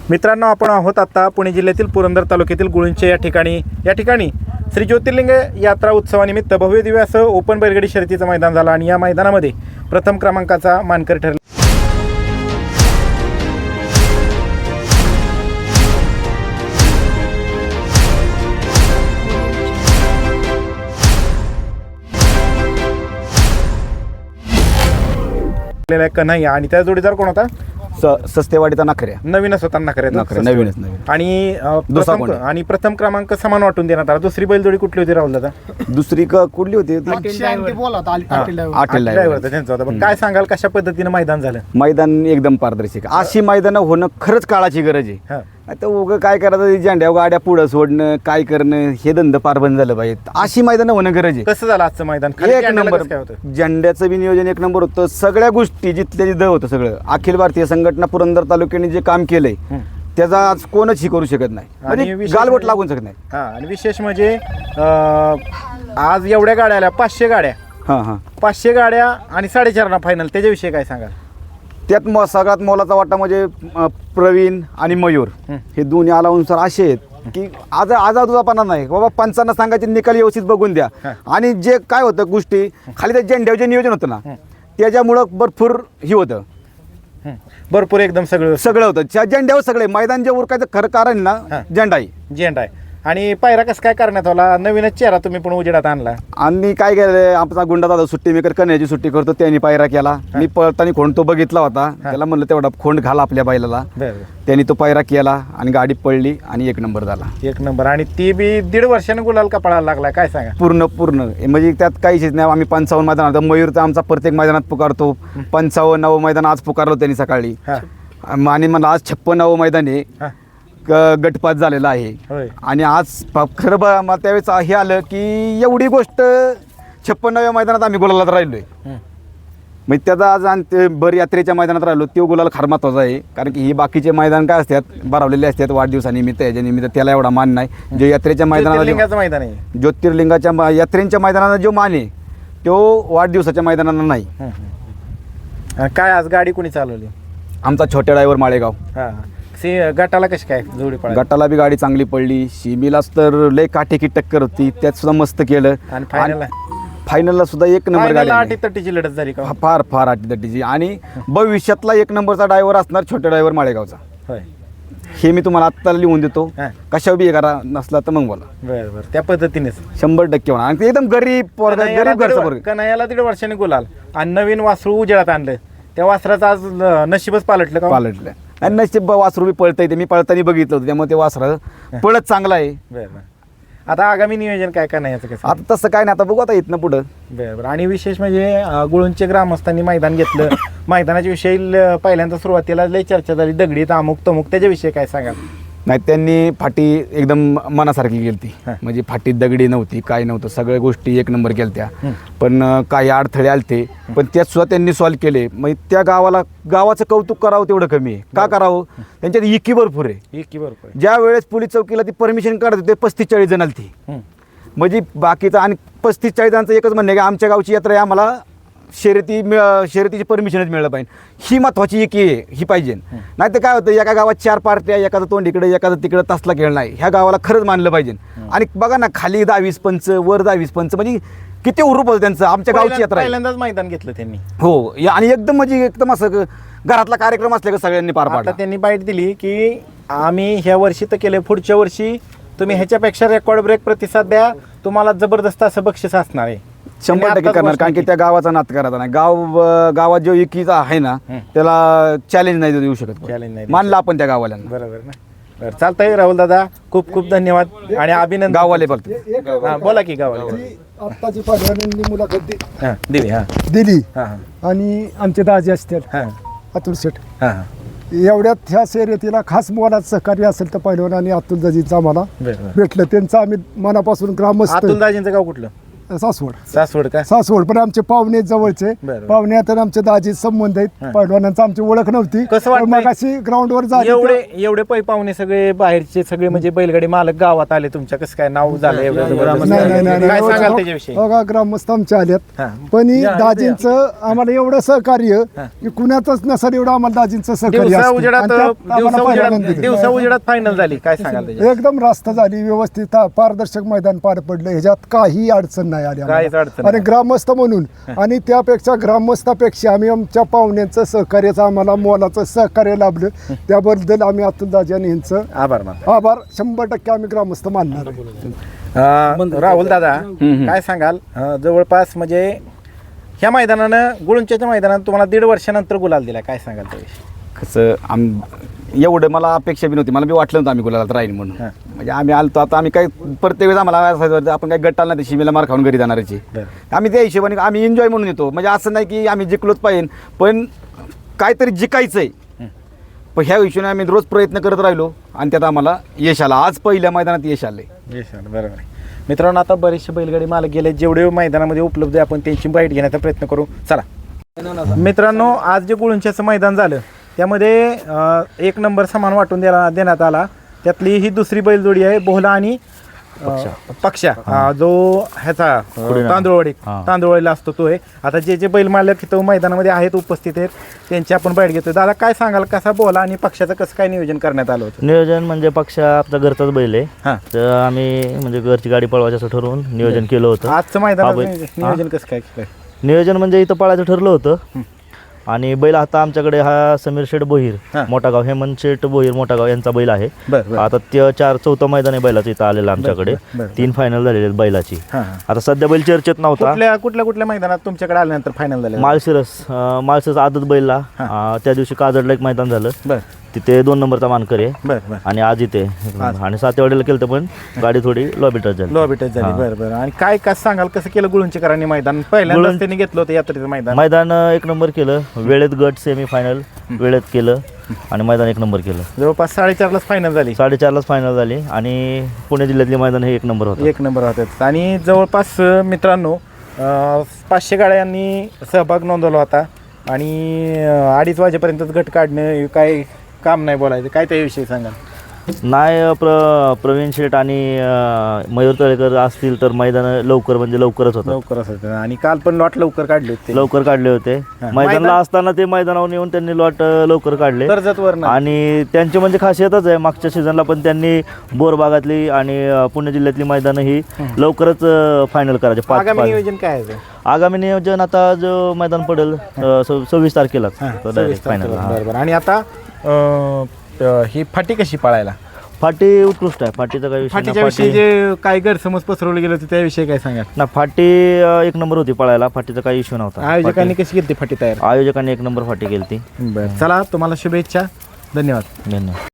मित्रांनो, आपण आहोत आता पुणे जिल्ह्यातील पुरंदर तालुक्यातील गुळूंचे या ठिकाणी श्री ज्योतिर्लिंग यात्रा उत्सवानिमित्त भव्य दिव्य असं ओपन बैलगाडी शर्यतीचं मैदान झालं आणि या मैदानामध्ये प्रथम क्रमांकाचा मानकरी ठरला. कन्हैया आणि त्या जोडीदार कोण होता? सस्तेवाडीचा नखऱ्या. नवीनच होता नवीनच. आणि प्रथम क्रमांक समान वाटून देण्यात आला. दुसरी बैलजोडी कुठली होती राहुल दादा? दुसरी कुठली होती? ड्रायव्हर त्यांचा होता. पण काय सांगाल, कशा पद्धतीने मैदान झालं? मैदान एकदम पारदर्शक. अशी मैदान होणं खरंच काळाची गरज आहे. आता उगं काय करायचं, झेंड्या गाड्या पुढं सोडणं, काय करणं, हे धंदा पार बंद झालं पाहिजे. अशी मैदान होणं गरज आहे. कसं झालं आजचं मैदान? एक नंबर. झेंड्याचं बी नियोजन एक नंबर होतं. सगळ्या गोष्टी जिथल्या जिथं होतं सगळं. अखिल भारतीय संघटना पुरंदर तालुक्याने जे काम केलंय त्याचा आज कोणच ही करू शकत नाही, म्हणजे गालबोट लागून शकत नाही. आणि विशेष म्हणजे आज एवढ्या गाड्या आल्या, 500 गाड्या. 500 गाड्या आणि 4.5 फायनल. त्याच्याविषयी काय सांगाल? त्यात सगळ्यात मोलाचा वाटा म्हणजे प्रवीण आणि मयूर हे दोन्ही आलानुसार असे आहेत की आज आजादुजापणा नाही बाबा. पंचांना सांगायचे निकाल व्यवस्थित बघून द्या. आणि जे काय होतं गोष्टी खाली त्या झेंड्यावर जे नियोजन होतं ना त्याच्यामुळं भरपूर ही होतं. भरपूर एकदम सगळं होतं त्या झेंड्यावर. सगळे मैदान जे उरकायचं खरं कारण ना झेंडा आहे. आणि पायरा कसं काय करण्यात आला? नवीनच चेहरा तुम्ही पण उजेडात आणला. आणि काय केलं, आमचा गुंडा दादा सुट्टी मेकर कन्याची सुट्टी करतो, त्यांनी पायरा केला. मी पळताना खोंड तो बघितला होता, त्याला म्हणलं तेवढा खोंड घाला आपल्या बैलाला. त्यांनी तो पायरा केला आणि गाडी पडली आणि 1 नंबर झाला. 1 नंबर. आणि ती बी 1.5 वर्षाने गुलाल का पळायला लागला? काय सांगा? पूर्ण म्हणजे त्यात काहीच नाही. आम्ही 55 मैदानात, मयूर तर आमचा प्रत्येक मैदानात पुकारतो. 55व मैदान आज पुकारलो त्यांनी सकाळी. आणि मला आज 56व मैदान आहे, गटपात झालेला आहे. आणि आज खरं मला त्यावेळेस हे आलं की एवढी गोष्ट 56व्या मैदानात आम्ही गुलालात राहिलोय. मग त्याचा आज आणि भर यात्रेच्या मैदानात राहिलो, तो गुलाल फार महत्वाचा आहे. कारण की ही बाकीचे मैदान काय असतात, भरवलेले असतात वाढदिवसानिमित्त, याच्या निमित्त, त्याला एवढा मान नाही. जो यात्रेच्या मैदानाला मैदान आहे, ज्योतिर्लिंगाच्या यात्रेच्या मैदानाला जो मान आहे तो वाढदिवसाच्या मैदानाला नाही. काय आज गाडी कोणी चालवली? आमचा छोट्या ड्रायव्हर माळेगाव. गटाला कशी काय जोडी पडली? गटाला बी गाडी चांगली पडली. शिमीलाच तर लय काटेकी टक्कर होती, त्यात सुद्धा मस्त केलं. आणि फायनलला सुद्धा 1 नंबर गाडी. अटीतटीची लढत झाली का? फार अटीतटीची. आणि भविष्यातला 1 नंबरचा ड्रायव्हर असणार छोट्या ड्रायव्हर माळेगावचा. हे मी तुम्हाला आत्ता लिहून देतो. कशा बी करा, नसला तर मग बोला. बरं, त्या पद्धतीनेच 100% होणार. आणि एकदम गरीब घरचा पोरगा. कन्हैयाला 1.5 वर्षाने गुलाल आणि नवीन वासरू उजेडात आणलं. त्या वासराचं आज नशीबच पालटलं का? पालटलं. आणि नशीब वासरू बी पळता येते. मी पळताना बघितलं होतं, त्यामुळे ते वासरा पळत चांगला आहे. बरं. आता आगामी नियोजन काय कन्हैयाचं कसं? आता तसं काय नाही, आता बघू आता इथनं पुढं. बरं. आणि विशेष म्हणजे गुळूंचे ग्रामस्थांनी मैदान घेतलं. मैदानाच्या विषयी पहिल्यांदा सुरुवातीला लय चर्चा झाली, दगडीत अमुक तमुक. त्याच्याविषयी काय सांगाल? नाही, त्यांनी फाटी एकदम मनासारखी केली. म्हणजे फाटीत दगडी नव्हती, काय नव्हतं, सगळ्या गोष्टी 1 नंबर केल्या. पण काही अडथळे आलते, पण त्यात सुद्धा त्यांनी सॉल्व्ह केले. मग त्या गावाचं कौतुक करावं तेवढं कमी आहे. का करावं? त्यांच्यात इकी भरपूर आहे. ज्या वेळेस पोलीस चौकीला ती परमिशन काढत होते 35-40 जण आलती. म्हणजे बाकीचं आणि 35-40 जणांचं एकच म्हणणं आहे की आमच्या गावची यात्रा आहे, आम्हाला शर्यतीची परमिशनच मिळलं पाहिजे. ही महत्वाची एक ही पाहिजे. नाही तर काय होतं, एका गावात 4 पार्ट्या, एखादं तोंड इकडे एखादं तिकडे, तसला खेळ नाही. ह्या गावाला खरंच मानलं पाहिजे. आणि बघा ना, खाली 10-20 पंच, वर 10-20 पंच, म्हणजे किती उरूप होतं त्यांचं. आमच्या गावची यात्रा पहिल्यांदाच मैदान घेतलं त्यांनी. हो. आणि एकदम असं घरातला कार्यक्रम असल्या का सगळ्यांनी पार पाडला. त्यांनी बाईट दिली की आम्ही ह्या वर्षी तर केले, पुढच्या वर्षी तुम्ही ह्याच्यापेक्षा रेकॉर्ड ब्रेक प्रतिसाद द्या, तुम्हाला जबरदस्त असं बक्षीस असणार आहे. 100% करणार. कारण की त्या गावाचा नात करायचा नाही. गावात जो एकीचा आहे ना त्याला चॅलेंज नाही देऊ शकत. मानलं आपण त्या गावाला. बरोबर ना. बरं, चालतंय राहुल दादा, खूप खूप धन्यवाद आणि अभिनंदन. गाववाले बोलतो. बोला की गाववाले. आत्ताची पाडव्यांनी मुलाखत दिली. आणि आमचे दाजी असतात अतुल शेठ. एवढ्यात ह्या शर्यतीला खास मोलाचं सहकार्य असेल तर पहिलवान आणि अतुल दाजींचं आम्हाला भेटलं. त्यांचं आम्ही मनापासून ग्रामस्थ. अतुल दाजींचं गाव कुठलं? सासवड का सासवड पण आमचे पाहुणे जवळचे बरं. पाहुणे आता आमचे दाजी संबंध आहेत पैलवानांचा आमची ओळख नव्हती कसं वाटतंय? मग अशी ग्राउंडवर झाली एवढे पाहुणे सगळे बाहेरचे सगळे म्हणजे बैलगाडी मालक गावात आले तुमच्या कसं काय नाव झालं एवढं जबरदस्त? नाही काय सांगाल त्याच्याविषयी बघा ग्रामस्थ आमचे आलेत हा. पण ही दाजींचं आम्हाला एवढं सहकार्य की कुणाचंच नसेल एवढं आम्हाला दाजींचं सहकार्य दिवसा असतं. उजेडात आणि त्यात आम्हाला पहिल्यांदा दिलं. दिवसा उजेडात फायनल झाली काय सांगाल त्याच्यात? एकदम रास्त झाली व्यवस्थित पारदर्शक मैदान पार पडलं ह्याच्यात काही अडचण नाही आली आम्हाला. काहीच अडचण आणि नाही. ग्रामस्थ म्हणून आणि त्यापेक्षा ग्रामस्थापेक्षा आम्ही आमच्या पाहुण्यांचं सहकार्याचं आम्हाला मोलाचं सहकार्य लाभलं त्याबद्दल आम्ही अतुल दाजी आणि यांचं आभार मान आभार 100% आम्ही ग्रामस्थ मानणार आहे. राहुल दादा काय सांगाल जवळपास म्हणजे ह्या मैदानानं गुळुंच्याच्या मैदानात तुम्हाला 1.5 वर्षानंतर गुलाल दिला काय सांगाल त्याविषयी? कसं एवढं मला अपेक्षा बी नव्हती मला बी वाटलं नव्हतं आम्ही गुलाला राहील म्हणून म्हणजे आम्ही आलतो आता आम्ही काय प्रत्येक वेळेस आम्हाला असं वाटतं, आपण काय गट्टाला नाही शिमेला मार खाऊन घरी जाणारची आम्ही त्या हिशोबाने आम्ही एन्जॉय म्हणून येतो म्हणजे असं नाही की आम्ही जिंकलोच पाहिजे पण काहीतरी जिकायचं आहे पण ह्या हिशोबाने आम्ही रोज प्रयत्न करत राहिलो आणि त्यात आम्हाला यश आलं आज पहिल्या मैदानात यश आलंय बरोबर आहे मित्रांनो आता बरेचसे बैलगाडी मालक गेले जेवढे मैदानामध्ये उपलब्ध आहे आपण त्यांची बाईट घेण्याचा प्रयत्न करू चला मित्रांनो आज जे गुळुंच्याचं मैदान झालं त्यामध्ये 1 नंबर समान वाटून देण्यात आला त्यातली ही दुसरी बैलजोडी आहे बोहला आणि पक्षा जो ह्याचा तांदूळवाडीला असतो तो आहे आता जे बैल मालक इथं मैदानामध्ये आहेत उपस्थित आहेत त्यांची आपण बाईट घेतो दादा काय सांगाल कसा बोहला आणि पक्षाचं कसं काय नियोजन करण्यात आलं होतं? नियोजन म्हणजे पक्षा आपला घरचाच बैल आहे तर आम्ही म्हणजे घरची गाडी पळवायचं असं ठरवून नियोजन केलं होतं. आजचं मैदान नियोजन कसं काय केलं? नियोजन म्हणजे इथं पळायचं ठरलं होतं आणि बैल आता आमच्याकडे हा समीर शेठ बोहीर मोठागाव हेमंत शेठ बोहीर मोठागाव यांचा बैल आहे. आता ते 4-4 मैदान आहे बैलाचं इथं आलेलं आमच्याकडे 3 फायनल झालेले आहेत बैलाची. आता सध्या बैल चर्चेत नव्हता. कुठल्या मैदानात तुमच्याकडे आल्यानंतर फायनल झालं? माळशिरस आदत बैलला त्या दिवशी काजडला एक मैदान झालं तिथे 2 नंबरचा मानकरी आहे आणि आज इथे आणि 7 केलं तर पण गाडी थोडी लॉबी टच झाली बरं आणि काय कसं सांगाल कसं केलं गुळुंचेकरांनी मैदान पहिल्यांदाच त्यांनी घेतलं होतं यात्रेचं मैदान 1 नंबर केलं वेळेत गट सेमी फायनल वेळेत केलं आणि मैदान 1 नंबर केलं. जवळपास 4:30 फायनल झाली 4:30 फायनल झाली आणि पुणे जिल्ह्यातले मैदान हे 1 नंबर होतं 1 नंबर होतात आणि जवळपास मित्रांनो 500 गाड्यांनी सहभाग नोंदवला होता आणि 2:30 वाजेपर्यंतच गट काढणं काय काम नाही बोलायचं काय त्याविषयी सांगा? नाही प्रवीण शेठ आणि मयूर तळेकर असतील तर मैदान लवकरच होतं आणि काल पण लॉट लवकर काढले होते लवकर काढले होते मैदानाला असताना ते मैदानावर येऊन त्यांनी लॉट लवकर काढले आणि त्यांची म्हणजे खासियतच आहे मागच्या सीझनला पण त्यांनी बोर भागातली आणि पुणे जिल्ह्यातली मैदानं ही लवकरच फायनल करायचे. आगामी नियोजन काय आहे? आगामी नियोजन आता जो मैदान पडेल 26 तारखेला फायनल आणि आता ही फाटी कशी पाळायला? फाटी उत्कृष्ट आहे फाटीचा काही फाटीच्या विषयी जे काही गैरसमज पसरवले गेले होते त्याविषयी काय सांगा ना? फाटी 1 नंबर होती पळायला फाटीचा काही इश्यू नव्हता. आयोजकांनी कशी केली फाटी तयार? आयोजकांनी 1 नंबर फाटी केली. बरं चला तुम्हाला शुभेच्छा धन्यवाद.